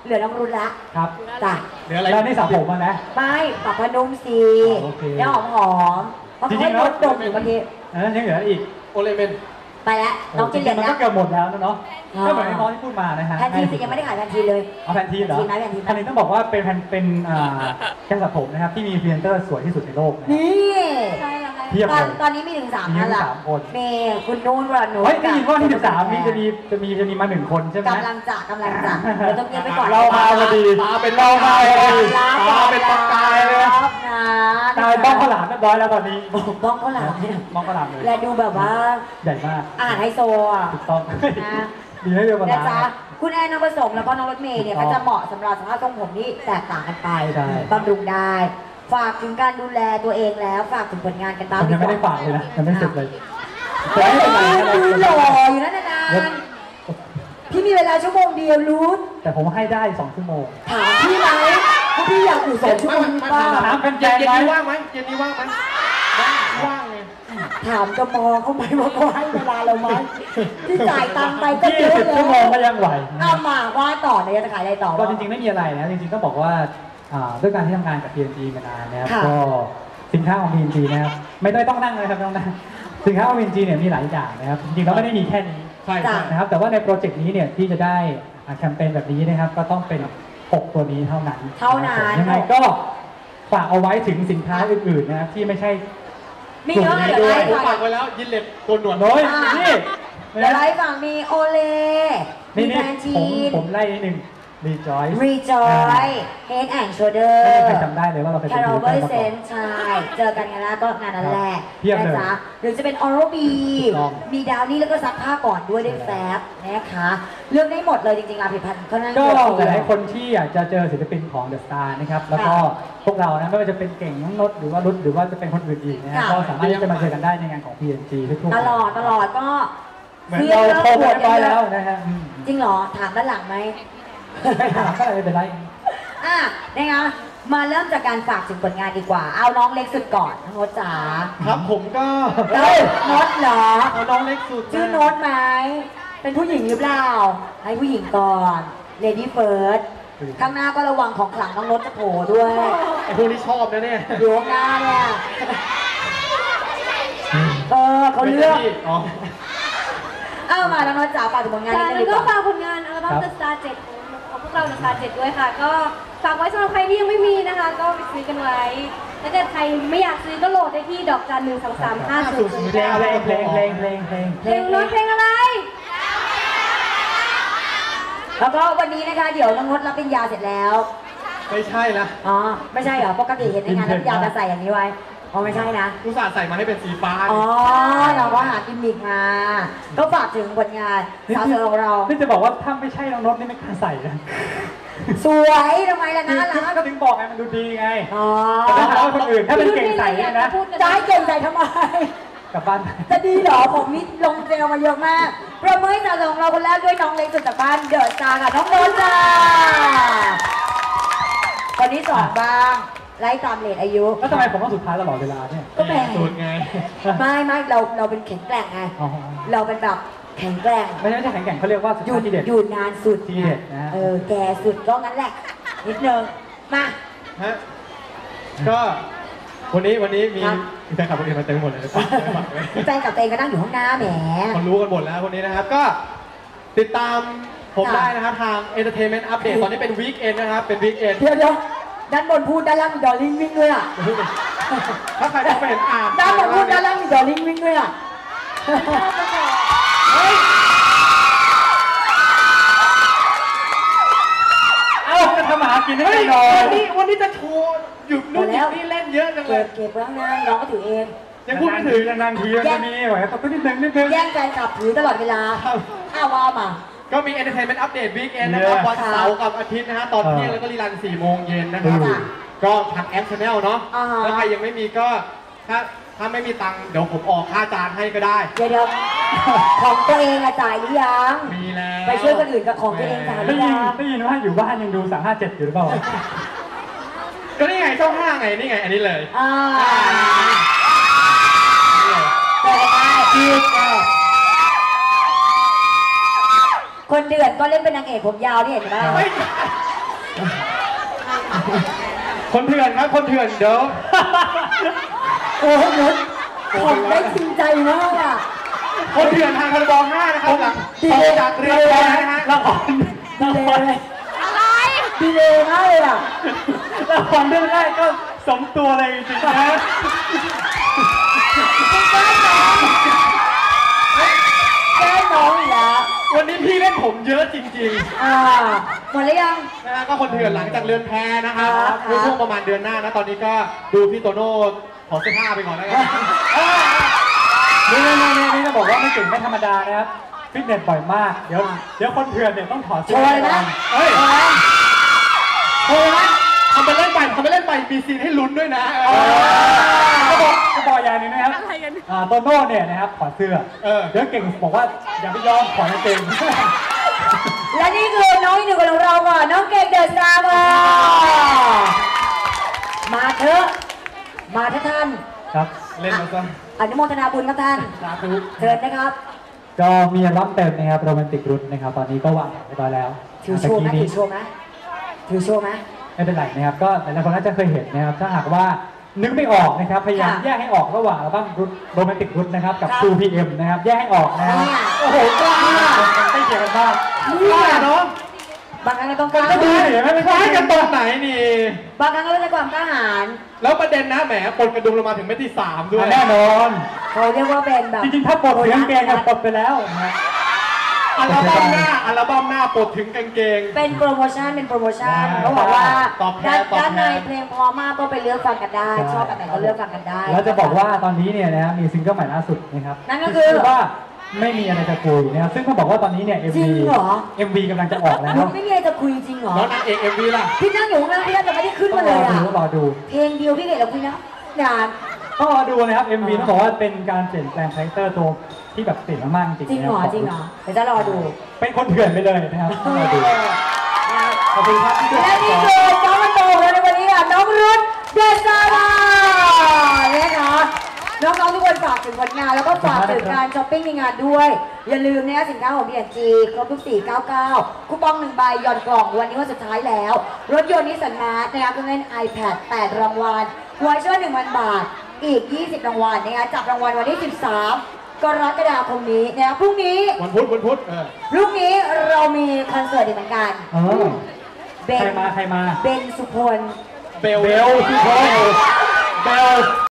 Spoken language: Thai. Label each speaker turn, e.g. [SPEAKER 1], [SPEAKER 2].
[SPEAKER 1] เหลือน้องรุ่นละ
[SPEAKER 2] ครับ
[SPEAKER 1] จ้ะ
[SPEAKER 3] เหลืออะไร
[SPEAKER 2] แล้วนี่สาวผมนะ
[SPEAKER 1] ไม่ปรับพนุ่มสีแล้วหอมเพราะเขาให้รสดมอยู่เมื่อกี้
[SPEAKER 2] นั้นยังเหลืออีก
[SPEAKER 3] โอเลเมน
[SPEAKER 1] ไปแล้วน้องจะเรียนแล้ว
[SPEAKER 2] ก็เกือบหมดแล้วนะเนาะก็เหมือนน้องที่พูดมานะฮะ
[SPEAKER 1] แพนทีนยังไม่ได้ขายแพนทีนเลย
[SPEAKER 2] เอาแพนทีนเหรอแพนทีนต้องบอกว่าเป็นแค่สระผมนะครับที่มีพรีเซนเตอร์สวยที่สุดในโลก
[SPEAKER 1] นี่เทียบเลยตอนนี้มีถึง3ท่านละมีคุณนุ่นวรนุช
[SPEAKER 2] ได้ยินว่าที่13จะมีมา1คนใช่ไหม
[SPEAKER 1] กำลังจะเราต้องเงียบไปก่อน
[SPEAKER 2] เรามาพอดี
[SPEAKER 3] ตาเป็นเรามาพอดีตาเป็นปากกายเลย
[SPEAKER 2] ตาบ้องข้าวหลามเรียบร้อยแล้วตอนนี้
[SPEAKER 1] บ้องข้าวหลาม
[SPEAKER 2] บ้องข้าวหลามเลย
[SPEAKER 1] และดูแบบว่า
[SPEAKER 2] ใหญ่มาก
[SPEAKER 1] อาหารไฮโซอ่ะ
[SPEAKER 2] ถูกต้องดีให้เรียบร้อย
[SPEAKER 1] นะจ๊ะคุณแอนน้องผสมแล้วก็น้องรถเมย์เนี่ยก็จะเหมาะสำหรับสภาพทรงผมที่แตกต่างกันไปบำรุงได้ฝากถึงการดูแลตัวเองแล้วฝากถึงผลงานกันบ้าง
[SPEAKER 2] ยังไม่ได้ฝากเลยนะยังไม่เสร็จเลย
[SPEAKER 1] ดูหล่ออยู่นั่นนานพี่มีเวลาชั่วโมงเดียวรู้
[SPEAKER 2] แต่ผมให้ได้2 ชั่วโมง
[SPEAKER 1] ถามพี่ไหมว่าพี่อยากอยู่2 ชั่วโมงป่ะ
[SPEAKER 2] ถามเป็น
[SPEAKER 3] เย็นนี้ว่างไหมเย็นนี้ว่างไหมว่างเลย
[SPEAKER 1] ถามกมอเขาไหมว่าเขาให้เวลาเราไหมที่จ่ายตังค์ไปก็เยอะ
[SPEAKER 2] เลยชั่วโมงก็ยังไหว
[SPEAKER 1] เอามาว่าต่อเนี่ยจะขายอะไรต่อ
[SPEAKER 2] ก็จริงๆไม่มีอะไรนะจริงๆต้องบอกว่าด้วยการที่ทำงานกับ P&G มานานนะครับก็สินค้าของ P&G นะครับไม่ต้องนั่งเลยครับต้องนั่งสินค้าของ P&G เนี่ยมีหลายอย่างนะครับจริงๆเราไม่ได้มีแค่นี้นะครับแต่ว่าในโปรเจกต์นี้เนี่ยที่จะได้แคมเปญแบบนี้นะครับก็ต้องเป็น6ตัวนี้เท่านั้นยังไงก็ฝากเอาไว้ถึงสินค้าอื่นๆนะครับที่ไม่ใช่
[SPEAKER 1] มีเยอะเลย
[SPEAKER 3] ผมฝากไว้แล้วยินเล็บโกนหนวด
[SPEAKER 2] น้อยนี่
[SPEAKER 1] เดี๋ยวไล่ฝั่งมีโอเล่
[SPEAKER 2] มีแพนทีผมไล่นิดนึงRejoice
[SPEAKER 1] Head and Shoulder
[SPEAKER 2] ไม่มีใครจำได้เลยว่าเราเป็น
[SPEAKER 1] Carober Sense ใช่เจอกันกันแล้วก็งานนั้นแหละนะจ๊ะหรือจะเป็น Oral-B มีดาวนี่แล้วก็ซักผ้าก่อนด้วยได้แฟบนะคะเลือกได้หมดเลยจริงๆผลิตภัณฑ์เขานั่น
[SPEAKER 2] ก็หลายคนที่อยากจะเจอศิลปินของ The Star นะครับแล้วก็พวกเรานะไม่ว่าจะเป็นเก่งน้องนดหรือว่ารุดหรือว่าจะเป็นคนอื่นอีกนะก็สามารถที่จะมาเจอกันได้ในงานของ P&G ทุกๆ
[SPEAKER 1] ตลอดก็
[SPEAKER 2] เหมือนเราโตกันไปแล้วนะฮะ
[SPEAKER 1] จริงเหรอถามด้านหลังไหม
[SPEAKER 2] ไม่ถามก็ไม่เป็นไร
[SPEAKER 1] นะคะมาเริ่มจากการฝากถึงผลงานดีกว่าเอาน้องเล็กสุดก่อนน้องโน้ตจ๋า
[SPEAKER 3] ครับผมก็
[SPEAKER 1] โน้ตเหรอ
[SPEAKER 3] เอาน้องเล็กสุด
[SPEAKER 1] ชื่อโน้ตไหมเป็นผู้หญิงหรือเปล่าให้ผู้หญิงก่อนเลดี้เฟิร์สข้างหน้าก็ระวังของขลังน้องโน้ตจะโผล่ด้วย
[SPEAKER 3] ไอ้พวกนี้ชอบนะเนี่ย
[SPEAKER 1] อยู่ข้างหน้าเนี่ยเขาเลือกมาแล้วน้องจ๋าฝากถึงผลงาน
[SPEAKER 4] นี้แล้วก็ฝากผลงานอัลบั้ม The Star 7ของพวกเรา The Star 7ด้วยค่ะก็ฝากไว้สำหรับใครที่ยังไม่มีนะคะก็ไปซื้อกันไว้ถ้าเกิดใครไม่อยากซื้อก็โหลดได้ที่ดอกจัน12350
[SPEAKER 2] เพลงอะไรเพลง
[SPEAKER 4] น้องเพลงอะไร
[SPEAKER 1] แล้วก็วันนี้นะคะเดี๋ยวน้องนดรับปริญญาเสร็จแล้ว
[SPEAKER 3] ไม่ใช่ละ
[SPEAKER 1] ไม่ใช่เหรอปกติเห็นในงานรับปริญญาจะใส่อย่างนี้ไว้ไม่ใช่นะ
[SPEAKER 3] อุตส่าห์ใส่มาให้เป็นสีฟ้า
[SPEAKER 1] เราก็หากิมมิกมาก็ฝากถึงผลงานสาวเธอของเรา
[SPEAKER 2] นี่จะบอกว่าถ้าไม่ใช่น้องนดนี่ไม่กล้าใส่นะ
[SPEAKER 1] สวยทำไมล่ะนะ
[SPEAKER 2] แล้วก็ถึงบอกไงมันดูดีไงแต่ถ้าถามคนอื่นถ้าเป็นเก่งใส่นะ
[SPEAKER 1] จะให้เก่งใส่ทำไม
[SPEAKER 2] กลับบ้าน
[SPEAKER 1] จะดีเหรอผมนี่ลงเจลมาเยอะมากประเมินสาวเธอของเราคนแรกด้วยน้องเล็กสุดจากบ้านเดอะสตาร์ค่ะน้องนนท์จ้าคนที่2บ้างไล่ตามเลทอายุ
[SPEAKER 2] แล้วทำไมผมต้องสุดท้ายตลอดเวลาเนี่ย
[SPEAKER 1] ก็แปลก
[SPEAKER 3] สุดไง
[SPEAKER 1] ไม่เราเป็นแข็งแกร่งไงเราเป็นแบบแข็งแกร่ง
[SPEAKER 2] ไม่ใช่แข็งแกร่งเขาเรียกว่า
[SPEAKER 1] อยู่นานสุด
[SPEAKER 2] ทีเด็ดนะ
[SPEAKER 1] แก่สุดก็งั้นแหละนิดนึงมา
[SPEAKER 3] ก็วันนี้มีแฟนคลับคนอื่นมาเต็มหมดเลย
[SPEAKER 1] แฟนกับเตงก็นั่งอยู่ข้างหน้าแหม
[SPEAKER 3] คนรู้กันหมดแล้วคนนี้นะครับก็ติดตามผมได้นะครับทาง Entertainment Update ตอนนี้เป็น Weekend นะครับเป็น Weekend
[SPEAKER 1] เดี๋ยวด้านบนพูดด้านล่างมีดอลลิงวิ่งด้วย
[SPEAKER 3] ถ้าใครจะไปเห็น
[SPEAKER 1] ด้านบนพูดด้านล่างมีดอลลิงวิ่งด้วย
[SPEAKER 2] จะทำอาหารกินให้หน่อย
[SPEAKER 3] วันนี้จะโชว์หยุดนู่นนี่เล่นเยอะจังเลย
[SPEAKER 1] เก็บไว้ข้างหน้าน้องก็ถือเอง
[SPEAKER 3] ยังพูดไม่ถึง
[SPEAKER 2] นานทีจะมีไหวต้องนิดนึง
[SPEAKER 1] แย่งแฟนคลับถือตลอดเวลาว่ามา
[SPEAKER 3] ก็มี Entertainment Update Weekend นะครับวันเสาร์กับอาทิตย์นะฮะตอนเที่ยงแล้วก็รีรัน4 โมงเย็นนะครับก็ทางแอป Channel เนาะถ้าใครยังไม่มีก็ถ้าไม่มีตังค์เดี๋ยวผมออกค่าจานให้ก็ได้
[SPEAKER 1] เดี๋ยวของตัวเองจ่ายหรือยัง
[SPEAKER 3] มีแล้ว
[SPEAKER 1] ไปช่วยคนอื่นกับของตัวเองจ่ายหรือยัง
[SPEAKER 2] ได้ยินว่าอยู่บ้านยังดู357อยู่หรือเปล่า
[SPEAKER 3] ก็นี่ไงช่อง5ไงนี่ไงอันนี้เลย
[SPEAKER 1] คนเดือดก็เล่นเป็นนางเอกผมยาวที่เห็นไหม
[SPEAKER 3] คนเถื่อนครับคนเถื่อนเดี๋ยว
[SPEAKER 1] โอ้โหนุชผมได้จริงใจมากอ่ะ
[SPEAKER 3] คนเถื่อนทางคาร์บอน5นะครับหลังออกจากเรียนแล้วนะฮะ
[SPEAKER 2] ละคร
[SPEAKER 1] ดีเลยดีเลยมากเลยอ่ะ
[SPEAKER 2] ละครเรื่องแรกก็สมตัวเลยจริงๆนะ
[SPEAKER 1] แก้น้องอีกแล้ว
[SPEAKER 3] วันนี้พี่เล่นผมเยอะจริง
[SPEAKER 1] หมดแล้วยัง
[SPEAKER 3] ๆนะฮะก็คนเถื่อนหลังจากเรือนแพนะครับ
[SPEAKER 1] ครับ
[SPEAKER 3] ในช่วงประมาณเดือนหน้านะตอนนี้ก็ดูพี่โตโน่ถอดเสื้อผ้าไปก่อนแล้วกัน
[SPEAKER 2] นี่จะบอกว่าไม่เก่งไม่ธรรมดานะครับฟิตเนสบ่อยมากเดี๋ยวคนเถื่อนเนี่ยต้องถอด
[SPEAKER 1] โช
[SPEAKER 2] เสื้อ
[SPEAKER 1] ว์เลยนะ
[SPEAKER 3] เฮ้ย
[SPEAKER 1] โชว์นะ
[SPEAKER 3] ทำไปเล่นไปมีซีนให้ลุ้นด้วยนะ
[SPEAKER 2] ก็บอกอย่างหนึงนะครับโตโน่เนี่ยนะครับถอดเสื้อเดี๋ยวเก่งบอกว่าอย่าไปยอมถอดกางเกง
[SPEAKER 1] และนี่คือน้องอีกหนึ่งคนของเราก่อนน้องเก่งเดอะสตาร์มาเถอะท่าน
[SPEAKER 2] ครับ
[SPEAKER 3] เล่นมาซะ
[SPEAKER 1] อนุโมทนาบุญครับท่าน
[SPEAKER 3] สาธุ
[SPEAKER 1] เชิญนะครับ
[SPEAKER 2] ก็มีอัลบั้มเต็มนะครับโรแมนติกรุทนะครับตอนนี้ก็วางแผนเรียบร้อยแล้ว
[SPEAKER 1] ถือโชว์ไหม
[SPEAKER 2] เมื่อกี้
[SPEAKER 1] ถื
[SPEAKER 2] นี้
[SPEAKER 1] อโชว์ไหมถือโชว์ไหม
[SPEAKER 2] ไม่เป็นไรนะครับก็หลายๆคนน่าจะเคยเห็นนะครับถ้าหากว่านึกไม่ออกนะครับพยายาม
[SPEAKER 1] ค่ะ
[SPEAKER 2] แยกให้ออกระหว่างอัลบั้มโรแมนติกรุทนะครับกับ
[SPEAKER 1] ครับ
[SPEAKER 2] 2PM นะครับแยกให้ออกนะครับ
[SPEAKER 1] เนี่ย
[SPEAKER 2] โอ้โหกล้าใกล้เคียงกันมาก
[SPEAKER 1] นี่
[SPEAKER 3] ว่าเนาะ
[SPEAKER 1] บางครั้งก็ต้องกล้า
[SPEAKER 2] ก็ดีเห็นไหม
[SPEAKER 3] คล้ายกันตรงไหนนี่
[SPEAKER 1] บางครั้งก็ต้องใช้ความกล้าหาญ
[SPEAKER 3] แล้วประเด็นนะแหมปนกระดุมลงมาถึงเม็ดที่3ด้วย
[SPEAKER 2] แน่นอน
[SPEAKER 1] เขาเรียกว่าเป็นแบบ
[SPEAKER 2] จริงๆถ้าปลดเสียงเกงก็ปลดไปแล้วนะ
[SPEAKER 3] อัลบั้มหน้าปลดถึงกางเกง
[SPEAKER 1] เป็นโปรโมชั่นเขาบอกว่า
[SPEAKER 3] ตอบแทน
[SPEAKER 1] ด้านในเพลงพอมากก็ไปเลือกฟังกันได้ ชอบอันไหนก็เลือกฟังกันได้
[SPEAKER 2] แล้วจะบอกว่าตอนนี้เนี่ยนะมีซิงเกิลใหม่ล่าสุดนะครับ
[SPEAKER 1] นั่นก็คือ
[SPEAKER 2] ชื่ว่าไม่มีอะไรจะคุยนะครับซึ่งต้องบอกว่าตอนนี้เนี่ย
[SPEAKER 1] จริงเหรอ
[SPEAKER 2] MV กำลังจะออกแล้ว
[SPEAKER 1] คุณไม่มีอะไรจะคุยจริงเหรอ
[SPEAKER 3] แล้วนางเอก MV ล่ะ
[SPEAKER 1] พี่นั่งอยู่ข้างล่างพี่น่าจะไม่ได้ขึ้น
[SPEAKER 2] ต้อ
[SPEAKER 1] มาง เล
[SPEAKER 2] รอย
[SPEAKER 1] อ่ะ
[SPEAKER 2] ดูรอดู
[SPEAKER 1] เพลงเดียวพี่เกดเราคุยนะนาน
[SPEAKER 2] ต้องรอดูนะครับ MV ต้องบอกว่าเป็นการเปลี่ยนแปลงคาแรคเตอร์ตัวที่แบบเปลี่ยนมากๆจริง
[SPEAKER 1] จริงเหรอ
[SPEAKER 2] นะคบ
[SPEAKER 1] จริงเหรอเดี๋ยวจะรอดู
[SPEAKER 2] เป็นคนเถื่อนไปเลยนะครับต้องรอดู
[SPEAKER 1] นะครับ
[SPEAKER 2] ขอบคุณครับที่ดู
[SPEAKER 1] และนี่คือน้องมันโตของเราในวันนี้ค่ะน้องรุ่นเดซาร่านะคะน้องๆทุกคนฝากถึงผลงานแล้วก็ฝากถึงการช้อปปิ้งในงานด้วย อย่าลืมนะคะสินค้าของ B&G ครบทุก499คูปอง1ใบหย่อนกล่องวันนี้วันสุดท้ายแล้ว รถยนต์นิสสันมาร์ทนะคะเครื่องเล่น iPad 8 รางวัลวอยเชอร์ 1,000 บาท อีก 20 รางวัลนะคะจับรางวัลวันที่ 13 กรกฎาคมนี้นะคะพรุ่งนี้
[SPEAKER 3] วันพุธ
[SPEAKER 1] พรุ่งนี้เรามีคอนเสิร์ตอีกเหมือนกัน
[SPEAKER 2] เออ
[SPEAKER 1] เบ
[SPEAKER 2] ใคร
[SPEAKER 1] น
[SPEAKER 2] มา
[SPEAKER 1] เบนสุพล
[SPEAKER 3] เบล
[SPEAKER 2] เบลสุพลเบล